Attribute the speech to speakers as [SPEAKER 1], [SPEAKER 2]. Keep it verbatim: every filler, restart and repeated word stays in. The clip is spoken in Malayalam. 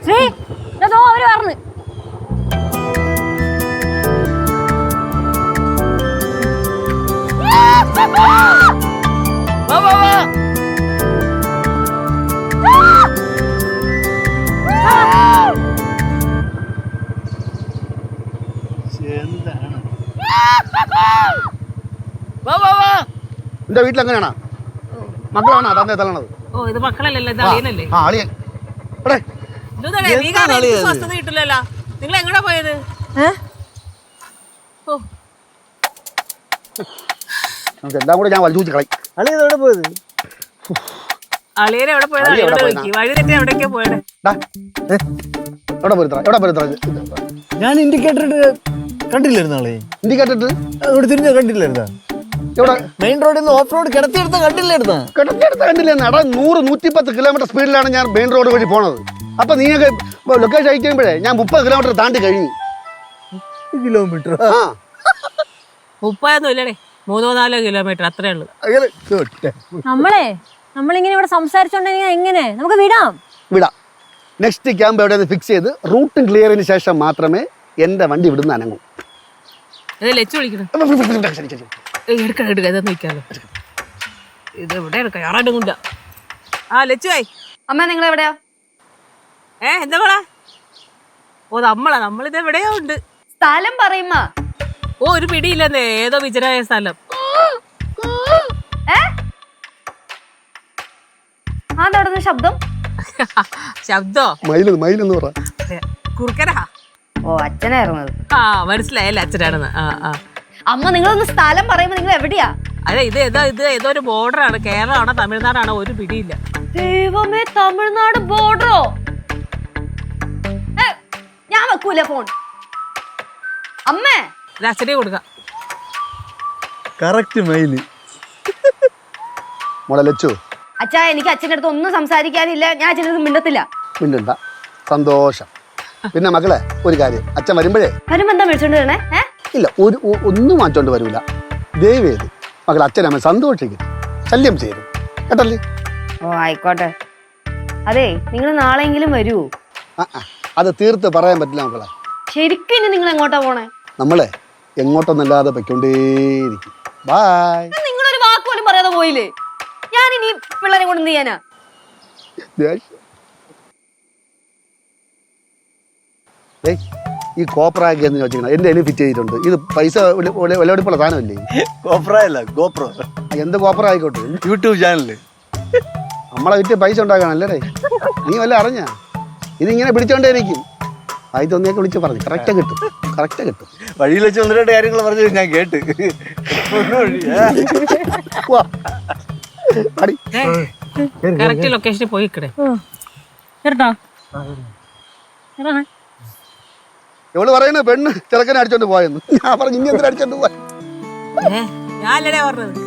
[SPEAKER 1] ശ്രീ അതോ അവര് പറഞ്ഞു
[SPEAKER 2] എന്റെ വീട്ടിൽ എങ്ങനെയാണോ മക്കളാണോ തന്നെ തള്ളണത്?
[SPEAKER 3] ഓ ഇത് മക്കളല്ലല്ലോ ഇത് അളിയനല്ലേ.
[SPEAKER 2] ആ അളിയൻ
[SPEAKER 3] സ്വസ്ഥത കിട്ടില്ലല്ലോ. നിങ്ങൾ എങ്ങടാ പോയത്?
[SPEAKER 2] നമുക്ക് എല്ലാം കൂടെ ഞാൻ വലിച്ചു കളി.
[SPEAKER 4] അളിയൻ എവിടെ പോയത്?
[SPEAKER 3] അളിയൻ എവിടെ പോയത്? വഴി തെറ്റി എവിടേക്കോ പോയത്.
[SPEAKER 2] എവിടെ പോരുത്ര എവിടെ പോരുത്ര
[SPEAKER 4] ഞാൻ ഇൻഡിക്കേറ്റർ കണ്ടില്ലായിരുന്നു ആളെ.
[SPEAKER 2] ഇൻഡിക്കേറ്റർ
[SPEAKER 4] അവിടെ തിരിഞ്ഞ കണ്ടില്ലായിരുന്നാ?
[SPEAKER 2] എവിടെ?
[SPEAKER 4] മെയിൻ റോഡിൽ നിന്ന് ഓഫ് റോഡ് കിടത്തിയെടുത്ത കണ്ടില്ലായിരുന്നാ?
[SPEAKER 2] കിടത്തിയെടുത്ത കണ്ടില്ലെന്ന്. എടാ നൂറ് നൂറ്റിപ്പത്ത് കിലോമീറ്റർ സ്പീഡിലാണ് ഞാൻ മെയിൻ റോഡ് വഴി പോണത്. അപ്പൊ നീയൊക്കെ ലൊക്കേഷൻ അയക്കുമ്പോഴേ ഞാൻ മുപ്പത് കിലോമീറ്റർ താണ്ടി കഴിഞ്ഞു.
[SPEAKER 4] കിലോമീറ്റർ
[SPEAKER 3] മുപ്പതൊന്നും ഇല്ലടേ, മൂന്നോ നാലോ കിലോമീറ്റർ അത്രേ ഉള്ളു.
[SPEAKER 1] നമ്മളെ നമ്മളിങ്ങനെ ഇവിടെ സംസാരിച്ചോണ്ടെങ്കിൽ എങ്ങനെ നമുക്ക് വിടാം?
[SPEAKER 2] വിടാം. നെക്സ്റ്റ് ക്യാമ്പ് എവിടെ ഫിക്സ് ചെയ്ത് റൂട്ടും ക്ലിയറിന് ശേഷം മാത്രമേ എന്റെ വണ്ടി ഇവിടുന്ന് അനങ്ങൂ.
[SPEAKER 3] ലച്ചു വിളിക്കണം. എടുക്കണം എടുക്ക ഇതൊന്നും നിൽക്കാലോ. ഇത് എവിടെ എടുക്കാം ആറാണ്ടും കൊണ്ട. ആ ലച്ചുവായി
[SPEAKER 5] അമ്മ നിങ്ങൾ എവിടെയാ?
[SPEAKER 3] ഏ എന്താ മോളാ? ഓ നമ്മളാ നമ്മളിത് എവിടെയോ ഉണ്ട്.
[SPEAKER 5] സ്ഥലം പറയുമ്മ.
[SPEAKER 3] ഓ ഒരു പിടിയില്ലെന്നേ, ഏതോ വിജനായ സ്ഥലം.
[SPEAKER 5] അതെവിടുന്ന ശബ്ദം?
[SPEAKER 3] ശബ്ദോ?
[SPEAKER 2] മയിലെന്ന് മയിലെന്ന് പറ.
[SPEAKER 3] കുറുക്കനാ.
[SPEAKER 5] ഓ അച്ഛനായിരുന്നത്.
[SPEAKER 3] ആ മനസ്സിലായല്ലേ അച്ഛനാണെന്ന്. ആ ആ
[SPEAKER 5] അമ്മ നിങ്ങളൊന്ന് സ്ഥലം പറയുമ്പോ നിങ്ങൾ എവിടെയാ?
[SPEAKER 3] അതെ ഇത് ഏതോ ഇത് ഏതോ ഒരു ബോർഡറാണ്. കേരളമാണോ തമിഴ്നാടാണോ ഒരു പിടിയില്ല.
[SPEAKER 5] ദൈവമേ, തമിഴ്നാട് ബോർഡറോ? ഞാൻ വെക്കൂല ഫോൺ. അമ്മേ
[SPEAKER 3] അച്ഛനെ കൊടുക്കാം.
[SPEAKER 4] കറക്റ്റ് മൈല്.
[SPEAKER 2] മോളെ ലച്ചു,
[SPEAKER 5] അച്ഛാ എനിക്ക് അച്ഛൻ്റെ അടുത്ത് ഒന്നും സംസാരിക്കാനില്ല. ഞാൻ അച്ഛൻ്റെ അടുത്ത് മിണ്ടത്തില്ല.
[SPEAKER 2] മിണ്ടണ്ട. സന്തോഷം. പിന്നെ മക്കളെ ഒരു കാര്യം, അച്ഛൻ വരുമ്പോഴേ
[SPEAKER 5] വരുമ്പോ എന്താ വിളിച്ചോണ്ട് വരണേ?
[SPEAKER 2] ഇല്ല ഒരു ഒന്നും മാറ്റോണ്ട് വരൂല. ദയവേത് മകൾ അച്ഛനമ്മ സന്തോഷിക്കും, ശല്യം ചെയ്യും കേട്ടല്ലേ?
[SPEAKER 5] ഓ ആയിക്കോട്ടെ. അതെ നിങ്ങൾ നാളെയെങ്കിലും വരൂ.
[SPEAKER 2] ആ അത് തീർത്ത് പറയാൻ പറ്റില്ല മക്കളെ.
[SPEAKER 5] ശരിക്കും ഇനി നിങ്ങൾ എങ്ങോട്ടാ പോണേ?
[SPEAKER 2] നമ്മളെ എങ്ങോട്ടൊന്നല്ലാതെ പൊയ്ക്കൊണ്ടേയിരിക്കും. ബായ്.
[SPEAKER 5] നിങ്ങളൊരു വാക്ക് പോലും പറയാതെ പോയില്ലേ? ഞാൻ ഇനി പിള്ളേരെ കൊണ്ട് എന്ത് ചെയ്യാനാ?
[SPEAKER 2] ഈ കോപ്രാക്കി എന്ന് ചോദിച്ചാൽ എന്റെ അതിന് ഫിറ്റ് ചെയ്തിട്ടുണ്ട്. ഇത് പൈസ വിലപിടിപ്പുള്ള സാധനമല്ലേ?
[SPEAKER 4] കോപ്ര അല്ല ഗോപ്രോ.
[SPEAKER 2] എന്ത് കോപ്ര ആയിക്കോട്ടെ,
[SPEAKER 4] യൂട്യൂബ് ചാനല്.
[SPEAKER 2] നമ്മളെ വിറ്റ് പൈസ ഉണ്ടാക്കാനല്ലേ? നീ വല്ല അറിഞ്ഞ ഇതിങ്ങനെ പിടിച്ചോണ്ടേയിരിക്കും. ആയി തോന്നിയൊക്കെ വിളിച്ച് പറഞ്ഞു കറക്റ്റ് കിട്ടും, കറക്റ്റ് കിട്ടും.
[SPEAKER 4] വഴിയിൽ വെച്ച് ഒന്ന് രണ്ട് കാര്യങ്ങൾ പറഞ്ഞു ഞാൻ കേട്ട്.
[SPEAKER 3] കറക്റ്റ് ലൊക്കേഷനിൽ പോയി കിടേ.
[SPEAKER 2] എവള് പറയുന്നത് പെണ്ണ് ചെറുക്കനെ അടിച്ചോണ്ട് പോയെന്ന്. ഞാൻ പറഞ്ഞു ഇനി എന്തിനാ അടിച്ചോണ്ട് പോയ?
[SPEAKER 3] ഞാനല്ലേ പറഞ്ഞത്.